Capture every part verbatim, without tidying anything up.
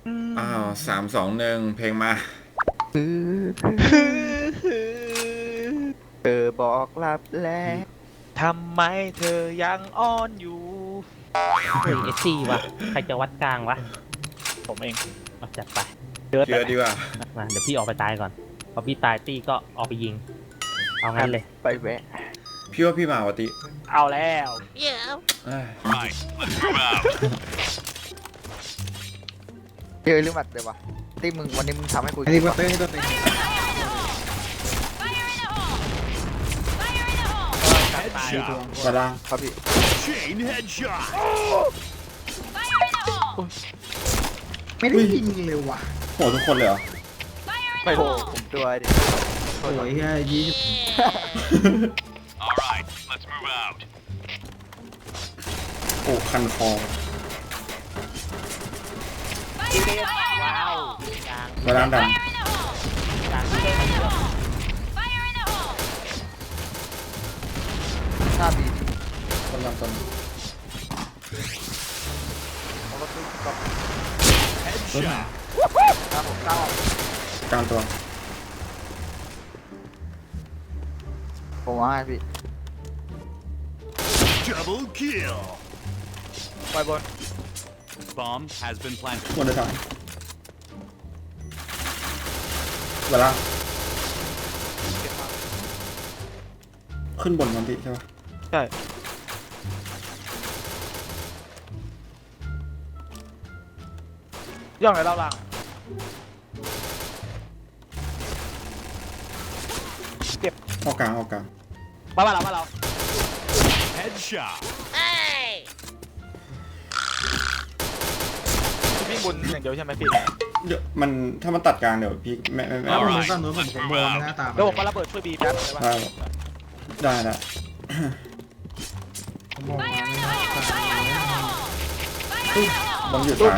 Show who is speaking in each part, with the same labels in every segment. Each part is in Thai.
Speaker 1: อ้าวสามสองหนึ่งเพลงมา
Speaker 2: เธอบอกลับแล้ว
Speaker 3: ทำไมเธอยังอ้อนอยู่
Speaker 4: เฮ้ยเอสซีวะใครจะวัดกลางวะ
Speaker 3: ผมเอง
Speaker 4: เอาจัดไป
Speaker 3: เดิน
Speaker 1: เชื่อดีกว่า
Speaker 4: มาเดี๋ยวพี่ออกไปตายก่อนพอพี่ตายตี้ก็ออกไปยิง เอางั้นเลย
Speaker 2: ไปแวะ
Speaker 1: พี่ว่าพี่มาวะติ
Speaker 3: เอาแล้ว
Speaker 1: เอ้ย
Speaker 5: Right, let's move out.
Speaker 2: เจอหรือหมัดเลยวะที่มึงวันนี้มึงทำให้กู
Speaker 6: อันนี้ตัวเต้นตัวเต้น
Speaker 5: Headshot.
Speaker 1: กระด้าง
Speaker 2: ครับพี่
Speaker 5: Chain headshot.
Speaker 6: ไม่ได้ยิงเลยว่ะ
Speaker 1: โหทุกคนเลยเหรอ
Speaker 3: ไม่
Speaker 2: โอ้
Speaker 3: ถู
Speaker 2: โห
Speaker 3: ก
Speaker 2: ผมตัวดิ
Speaker 6: โอ้ยแค่ยี่สิบ
Speaker 5: All right, let's move out.
Speaker 1: โอ้คันคอ
Speaker 3: ว้าว
Speaker 4: กลาง
Speaker 1: กระด้างดัน
Speaker 4: กลางที่ได้มาเยอะ
Speaker 2: หน้าบี
Speaker 1: กำลังต้น
Speaker 2: เอารถตู้กับ
Speaker 5: Headshot.
Speaker 2: หน้าผมเก้าก
Speaker 1: ลางตัว
Speaker 2: ผมว่าให้พี่
Speaker 5: Double kill.
Speaker 3: ไปบน
Speaker 5: Bomb has been planted.
Speaker 1: บนเดือดทางกระด้างขึ้นบนมันติใช่ปะ
Speaker 3: ใช่ย่องไหนเล่าล่าง
Speaker 1: ออกกลางออกกลาง
Speaker 3: มาบ้านเราบ้านเรา
Speaker 5: Headshot.
Speaker 3: พี่วิ่งบนอย่างเดียวใช่ไหมพี่
Speaker 1: เดี๋ยวมันถ้ามันตัดกลางเดี๋ยวพี่ไม่ไม่ไม่
Speaker 6: แล้ว
Speaker 1: เอา
Speaker 6: ผม
Speaker 5: Alright,
Speaker 6: ก็โน้ตผม
Speaker 5: let's
Speaker 6: ผม
Speaker 5: move
Speaker 6: โดน
Speaker 5: out.
Speaker 6: หน้าตา
Speaker 3: เดี๋ยวผมมาระเบิดช่วยบีแป๊บได้ปะ
Speaker 1: ได้ได้ได้
Speaker 6: ผมมองมาไม่น่าตาย
Speaker 1: บอมอยู่ซ้าย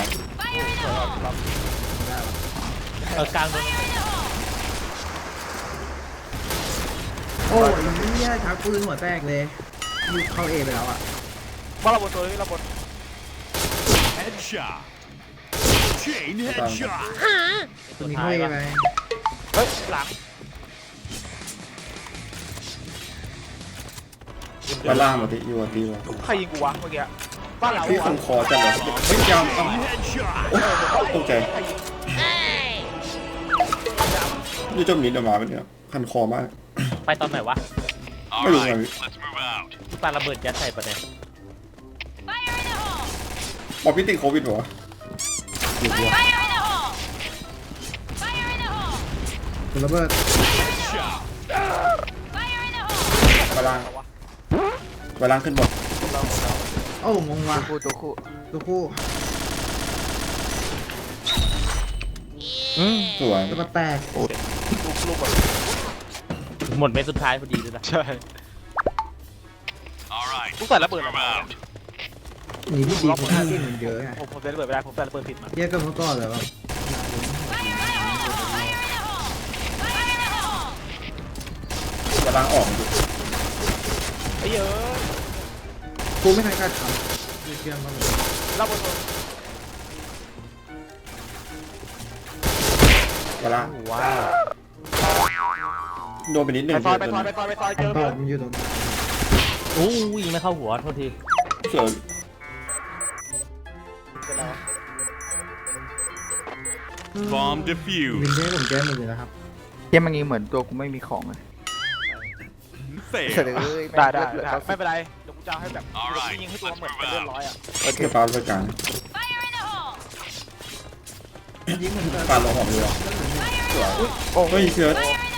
Speaker 4: เออกลางโดน
Speaker 6: โอ้ยนี่ชักปืนหัวแตกเลยลูกเข้าเอไปแล้วอ่ะ
Speaker 3: มาระเบิดตัวนี้ระเบิด
Speaker 5: Headshot. Chain headshot.
Speaker 6: ตัวนี้เข้าเอไป
Speaker 3: เฮ้ยหลัง
Speaker 1: กระด้างมาติอยู่อ่ะตีวะ
Speaker 3: ใครยิงกูวะเมื่อกี้บ้านเรา
Speaker 1: พี่คันคอจัดเลยเฮ้ยยาวเอา
Speaker 5: Chain headshot.
Speaker 1: โอ้ตกใจนี่จมนิดออกมาเป็นเนี่ยคันคอมาก
Speaker 4: ไปตอนไหนวะ
Speaker 5: All
Speaker 1: Wait,
Speaker 5: right,
Speaker 1: wait.
Speaker 5: let's move out.
Speaker 4: พี่ปาระเบิดยัดใส่ประเด็น
Speaker 1: บอกพี่ติดโควิดเหรอหรือว่า
Speaker 6: ตัวระเบิด
Speaker 5: Headshot.
Speaker 1: กระด้างกระด้างขึ้นบน
Speaker 6: โอ้งงว่ะ
Speaker 2: คู่ตัวคู่
Speaker 6: ตัวคู่
Speaker 1: สวย
Speaker 6: ตัวแตก
Speaker 3: ลูกลูกแบบ
Speaker 4: หมดเม็ดสุดท้ายพอดีเลยนะ
Speaker 3: ใช่
Speaker 5: All right,
Speaker 3: ลูกใส่
Speaker 5: let's
Speaker 3: ระเบิดออก
Speaker 5: move
Speaker 3: มา
Speaker 5: out.
Speaker 6: นี่ที่ดีคุณท่าที่มันเยอะไง
Speaker 3: ผมผมใส่ระเบิดไม่ได้ผมใส่ระเบิดผิดมา
Speaker 6: เยอะกันเมื่อก่อนเลยว่า
Speaker 1: กระด้างออกดิ
Speaker 3: ไอ้เยอะ
Speaker 6: กูไม่ทันการทำเชื่อมมาเลย
Speaker 3: ระเบิดตัว
Speaker 1: กระด้าง
Speaker 4: ว้าว
Speaker 1: โดนไปนิดหนึ่
Speaker 3: ไป
Speaker 1: ง
Speaker 3: ซอยไปซอยไปซอยไปซอยเจอ
Speaker 6: ต
Speaker 3: เพื่
Speaker 6: อ
Speaker 3: อน
Speaker 6: มันอยู่ตรงนี้
Speaker 4: อู้ยิงไม่เข้าหัวโทษที
Speaker 1: เสือ
Speaker 5: Bomb
Speaker 6: วิน
Speaker 5: defused.
Speaker 6: เทจผมแก้หมดเลยนะครับ
Speaker 2: เยี่ยมันงี้เหมือนตัวกูไม่มีของเลยเสร็จ
Speaker 5: Fail.
Speaker 2: เลย
Speaker 3: ได้ได้
Speaker 2: เหลือ
Speaker 3: ได้
Speaker 2: เก้าสิ
Speaker 3: ไม่
Speaker 2: บ
Speaker 3: เป็นไรเดี๋ยวกูจะเอาให้แบบเดี๋ยวกูยิงให้ตัวเหมือนเป็นเลือดร้อยอ่ะ
Speaker 2: โอเค
Speaker 1: เดี๋ยวปลาไปกลาง
Speaker 6: ยิงเหมือนกัน
Speaker 1: ปลาลงหอมเรือสวย
Speaker 2: โอ้
Speaker 1: เฮ้ยเสือ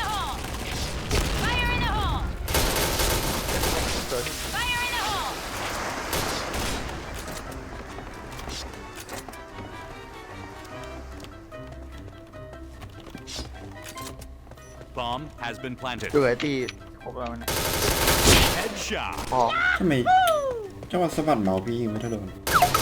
Speaker 5: Bomb has been planted.
Speaker 2: เหลือที่ครบแล้วนะ
Speaker 5: Headshot.
Speaker 2: พอ
Speaker 1: ทำไมจังหวะสะบัดเมาส์พี่ยิงไม่เท่าเดิม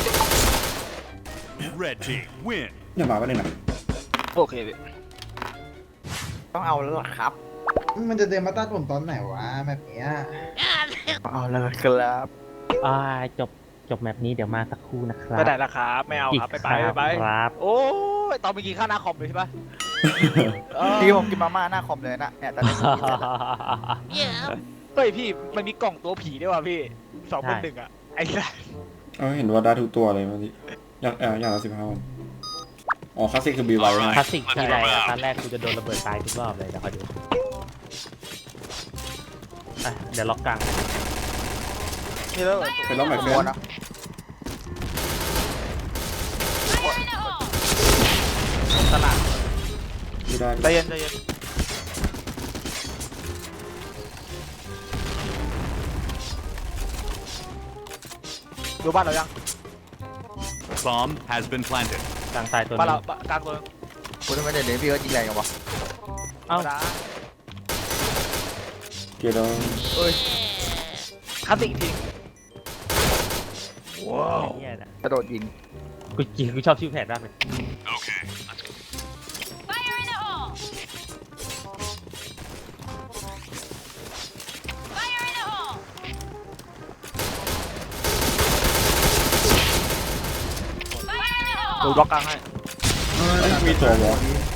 Speaker 5: Red team win.
Speaker 1: อย่ามาไปเลยนะ
Speaker 3: โอเคพี่
Speaker 2: ต้องเอาแล้วล่ะครับ
Speaker 6: มันจะเดินมาตัดผมตอนไหนวะแบบเนี้ย
Speaker 2: ต้องเอาแล้วล่ะครับ
Speaker 4: อ่าจบจบแมปนี้เดี๋ยวมาสักครู่นะครับ
Speaker 3: ไปไหนล่ะครับไม่เอาครับไปไปไปไป
Speaker 4: ครับ
Speaker 3: โอ้ยยตอนเมื่อกี้ข้าหน้าคอมเลยใช่ปะ
Speaker 2: พี่ผมกินมาม่าหน้าคอมเลยนะเนี่ยตอนนี้ผมกินเสร็จแล้ว
Speaker 3: เฮ้ยพี่มันมีกล่องตัวผีด้วยว่ะพี่สองเป็นหนึ่งอ่ะไอ้สัส
Speaker 1: เออเห็นว่าได้ทุกตัวเลยเมื่อกี้อย่างเอออย่างละสิบห้าวันอ๋อคลาสสิกคือบีไวใช่ไหม
Speaker 4: คลาสสิกทีไรอะตอนแรกกูจะโดนระเบิดตายทุกรอบเลยเดี๋ยวคอยดูอ่ะเดี๋ยวล็อกกลาง
Speaker 3: นี่แล้ว
Speaker 1: เป็นรอบใหม่เฟ
Speaker 2: โด
Speaker 1: น
Speaker 2: นนะ
Speaker 4: ตลาด
Speaker 1: ไม่ได้
Speaker 3: ใจเย็นใจเย็นดูบ้านเรายัง
Speaker 5: Bomb has been planted.
Speaker 4: กลางตายตัว
Speaker 3: บ้าน
Speaker 4: นึ
Speaker 3: เรา
Speaker 4: ง
Speaker 3: กลางตัว
Speaker 2: คุณทำไมเดี๋ยวนี้พี่ก็ยิงแรงกันวะ
Speaker 4: เอ้า
Speaker 3: ธรรมดา
Speaker 1: เกียร์ดอง
Speaker 2: เอ้ย
Speaker 3: คลาสสิกอีกที
Speaker 4: เหี้ยนะ
Speaker 2: กระโดดยิง
Speaker 4: กูจริงกูชอบชื่อแผนมากเลย
Speaker 5: Okay, let's go.
Speaker 7: Fire in the hole! Fire in the hole!
Speaker 3: ดูบล็อกกลางให้
Speaker 6: เออ
Speaker 1: เอ้ยมีตัววอล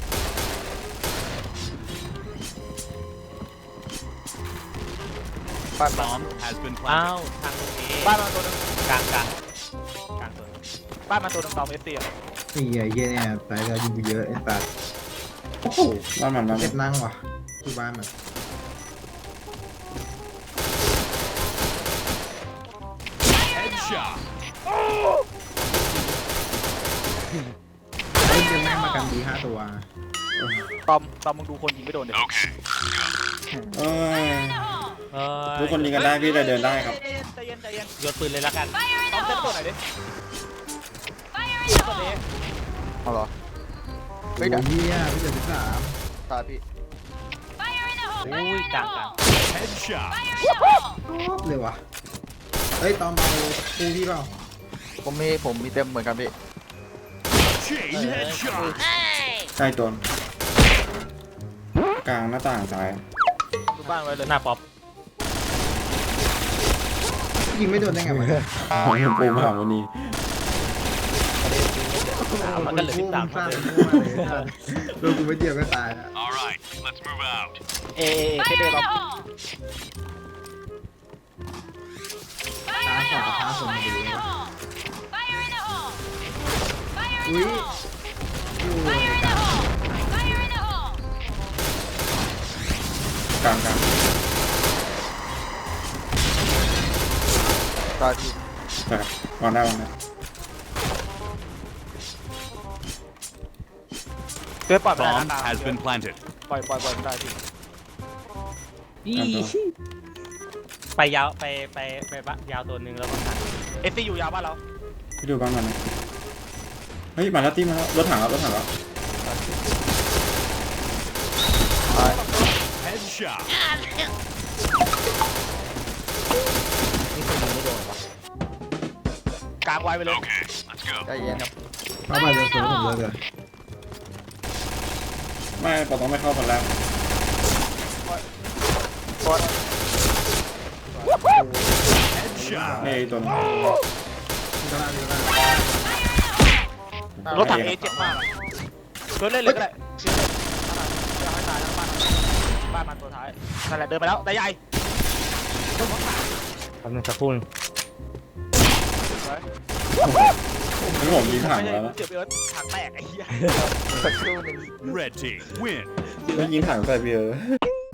Speaker 2: บ้านบ้าน
Speaker 5: Bomb has been
Speaker 4: อ้า
Speaker 5: planted.
Speaker 4: วทางตรงนี้
Speaker 3: บ้านมาตัวหนึง
Speaker 4: กลางกลางกลางตัวนึง
Speaker 3: บ้านมาตัวหนึงตอมเอสซีอ่ะ
Speaker 6: นี่ไอ้เหี้ยเนี่ยตายแล้วยิงกูเยอะไอ้สัส
Speaker 1: โอ้โหบ้านมันบ้านมั
Speaker 6: เจ็
Speaker 1: น
Speaker 6: บนั่งว่ะที่บ้านมัน
Speaker 5: Headshot.
Speaker 6: เฮ้ยจะแม่งมากันดีห้าตัว
Speaker 3: ตอมตอมมึงดูคนยิงไม่โดนเดี๋ยว
Speaker 5: Okay.
Speaker 1: เอ้ย
Speaker 4: เอ้ย
Speaker 1: ทุกคนยิงกันได้พี่เลยเดินได้ครับ
Speaker 3: ใจเย็นใจเย็นใจเย็น
Speaker 4: โยนปืนเลยละกัน
Speaker 7: Fire in
Speaker 3: ตอ
Speaker 7: the
Speaker 3: มเซ็ตตัว
Speaker 7: hole!
Speaker 3: ไหนอยดิ
Speaker 7: Fire in the
Speaker 3: ตัวนี้
Speaker 7: hole!
Speaker 2: เอาเหรอ
Speaker 6: โอ้
Speaker 2: เฮ้ย
Speaker 6: ย
Speaker 2: เดี๋ยว
Speaker 6: เหี้ยพี่เจ็ดสิบสาม
Speaker 2: ตายพี่
Speaker 7: Fire in the hole!
Speaker 4: อุ้
Speaker 7: Fire
Speaker 4: ย
Speaker 7: in
Speaker 4: ก
Speaker 7: the
Speaker 4: ลางกลาง
Speaker 7: hole!
Speaker 5: Headshot.
Speaker 7: Fire in the hole!
Speaker 6: ชอบเลยว่ะเฮ้ยตอมเอาคู่พี่เปล่า
Speaker 2: ผมมีผมมีเต็มเหมือนกันพี่
Speaker 5: Chain headshot.
Speaker 7: Hey!
Speaker 1: ใกล้ตัวกลางหน้าต่างซ้าย
Speaker 3: ดูบ้านไว้เลย
Speaker 4: หน้าป๊อป
Speaker 6: ยิงไม่โดนได้ไงวะ
Speaker 1: ปูมาถามวันนี้
Speaker 4: มันก็เหลือสิบสาม
Speaker 6: สร้าง
Speaker 4: เลย
Speaker 6: มั่วเลยไอ้สัสโดนกูไม่เดียวก็ตายแล้ว
Speaker 5: All right, let's move out.
Speaker 3: เอเอเอเค
Speaker 7: Fire
Speaker 3: เด
Speaker 7: in
Speaker 3: ตอ
Speaker 7: the
Speaker 3: ม
Speaker 7: hole!
Speaker 6: ตา
Speaker 7: Fire
Speaker 6: ส
Speaker 7: in
Speaker 6: อง
Speaker 7: the
Speaker 6: กับ
Speaker 7: hole!
Speaker 6: ตาสองมา
Speaker 7: Fire
Speaker 6: ดู
Speaker 7: in the hole! Fire in the hole! Fire
Speaker 6: อุ้
Speaker 7: in
Speaker 6: ย
Speaker 7: the hole!
Speaker 6: อยู่
Speaker 7: Fire in the hole! Fire in the hole!
Speaker 1: กลางกลาง
Speaker 2: ตายพี่
Speaker 1: ใช่ครับวางได้วางได้
Speaker 3: เพื่อปล่อยไปได้
Speaker 5: Bomb
Speaker 3: นะ
Speaker 5: has been planted.
Speaker 3: ปล่อยปล่อยปล่อยไม่ได้พี่
Speaker 4: อีไปยาวไปไปไปบะยาวตัวหนึ่งแล้วก็หัน
Speaker 3: เอสซีอยู่ยาวบ้านเรา
Speaker 1: พี่ดูบ้านมันนะเฮ้ยมาแล้วตีมาแล้วรถถังแล้วรถถังแล้ว
Speaker 2: ตาย
Speaker 5: Headshot.
Speaker 4: นี่คนยิงไม่โดนวะ
Speaker 3: กลางไว้ไปเลย
Speaker 5: Okay, let's go.
Speaker 2: ใจเย็นครับ
Speaker 6: เข้าไปเลยตัวผมเลยเลย
Speaker 1: ไม่ปอต้องไม่เข้าคนแรก
Speaker 3: ตัว
Speaker 5: Headshot.
Speaker 1: นี่ไอ้ตัวนี้
Speaker 6: มีตลาดมีตลาด
Speaker 3: รถถังเอเจ็บมากอะเกินเล่นเลยก็ได้เชื่อเลยเชื่อให้ตายแล้วบ้านบ้านมันตัวท้ายนั่นแหละเดินไปแล้วได้ใหญ่
Speaker 4: แป๊บนึงสักครู่นึง
Speaker 1: นี่ผมยิงถัง
Speaker 3: ไม่ใช่
Speaker 1: แล้วนะ
Speaker 3: เจ็บเอิร์ธถังแตกไอ้เหี้ย
Speaker 2: สักครู่หนึง
Speaker 5: Red team win.
Speaker 1: ไม่ยิงถังใส่พี่เออ